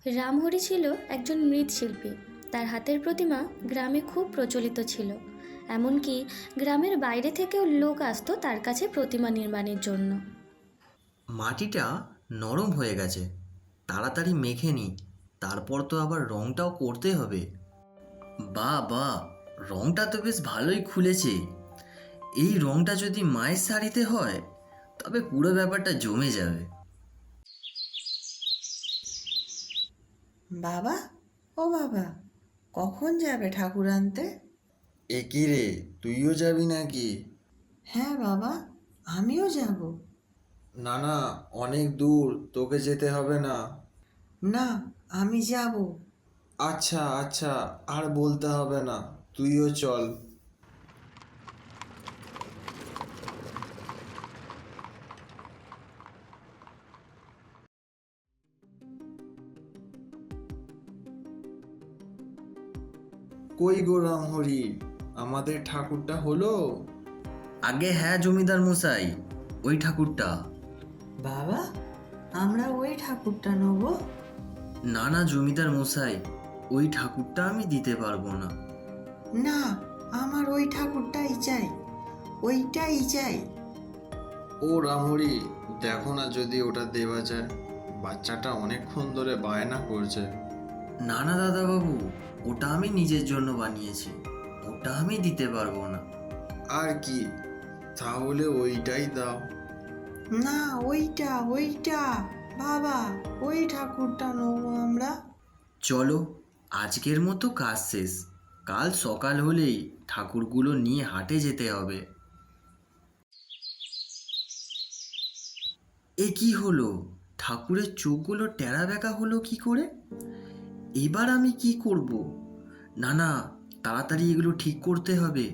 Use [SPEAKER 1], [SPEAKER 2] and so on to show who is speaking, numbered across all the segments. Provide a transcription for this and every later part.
[SPEAKER 1] রামহরি ছিল একজন মৃৎশিল্পী। তার হাতের প্রতিমা গ্রামে খুব প্রচলিত ছিল। এমনকি গ্রামের বাইরে থেকেও লোক আসতো তার কাছে প্রতিমা নির্মাণের জন্য।
[SPEAKER 2] মাটিটা নরম হয়ে গেছে, তাড়াতাড়ি মেখে নি, তারপর তো আবার রংটাও করতে হবে। বাহ বাহ, রংটা তো বেশ ভালোই খুলেছে। এই রংটা যদি মায়ের শাড়িতে হয় তবে পুরো ব্যাপারটা জমে যাবে।
[SPEAKER 3] বাবা, ও বাবা, কখন যাবে ঠাকুর আনতে?
[SPEAKER 4] এ কি রে, তুইও যাবি নাকি?
[SPEAKER 3] হ্যাঁ বাবা, আমিও যাব।
[SPEAKER 4] না না, অনেক দূর, তোকে যেতে হবে না।
[SPEAKER 3] না, আমি যাব।
[SPEAKER 4] আচ্ছা আচ্ছা, আর বলতে হবে না, তুইও চল। কই গো রামহরি, আমাদের ঠাকুরটা হলো?
[SPEAKER 2] আগে হ্যাঁ জমিদার মশাই, ওই ঠাকুরটা।
[SPEAKER 3] বাবা, আমরা ওই ঠাকুরটা নেব?
[SPEAKER 2] না না জমিদার মশাই, ওই ঠাকুরটা আমি দিতে পারবো না।
[SPEAKER 3] না, আমার ওই ঠাকুরটাই চাই, ওইটাই চাই।
[SPEAKER 4] ও রামহরি, দেখো না যদি ওটা দেওয়া যায়, বাচ্চাটা অনেকক্ষণ ধরে বায়না করছে।
[SPEAKER 2] না না দাদাবাবু, ওটা আমি নিজের জন্য বানিয়েছি, ওটা আমি দিতে পারবো না।
[SPEAKER 4] আর কি, তাহলে ওইটাই দাও।
[SPEAKER 3] না, ওইটা ওইটা, বাবা, ওই ঠাকুরটা নেবো আমরা।
[SPEAKER 2] চলো, আজকের মতো কাজ শেষ, কাল সকাল হলেই ঠাকুরগুলো নিয়ে হাটে যেতে হবে। এ কি হলো, ঠাকুরের চোখগুলো টেরা বেঁকা হলো কি করে? এবার আমি কি করব? না না, তাড়াতাড়ি এগুলো ঠিক করতে হবে।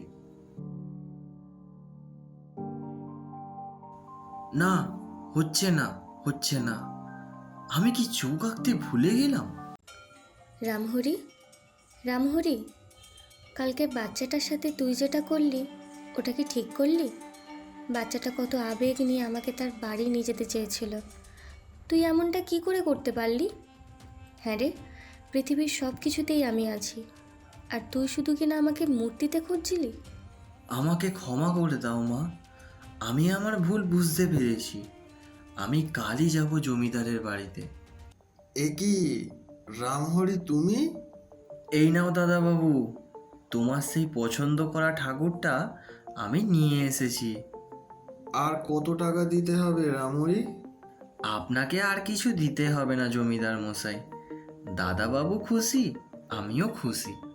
[SPEAKER 2] না, হচ্ছে না, হচ্ছে না। আমি কি চোখ আঁকতে ভুলে গেলাম?
[SPEAKER 1] রামহরি, রামহরি, কালকে বাচ্চাটার সাথে তুই যেটা করলি ওটা কি ঠিক করলি? বাচ্চাটা কত আবেগ নিয়ে আমাকে তার বাড়ি নিয়ে যেতে চেয়েছিল, তুই এমনটা কি করে করতে পারলি? হ্যাঁ রে, পৃথিবীর সব কিছুতেই আমি আছি, আর তুই শুধু কিনা আমাকে মূর্তিতে খুঁজছিলি।
[SPEAKER 2] আমাকে ক্ষমা করে দাও মা, আমি আমার ভুল বুঝতে পেরেছি। আমি কালই যাব জমিদারের বাড়িতে।
[SPEAKER 4] এ কি রামহরি, তুমি?
[SPEAKER 2] এই নাও দাদাবাবু, তোমার সেই পছন্দ করা ঠাকুরটা আমি নিয়ে এসেছি।
[SPEAKER 4] আর কত টাকা দিতে হবে রামহরি?
[SPEAKER 2] আপনাকে আর কিছু দিতে হবে না জমিদার মশাই, দাদাবাবু খুশি, আমিও খুশি।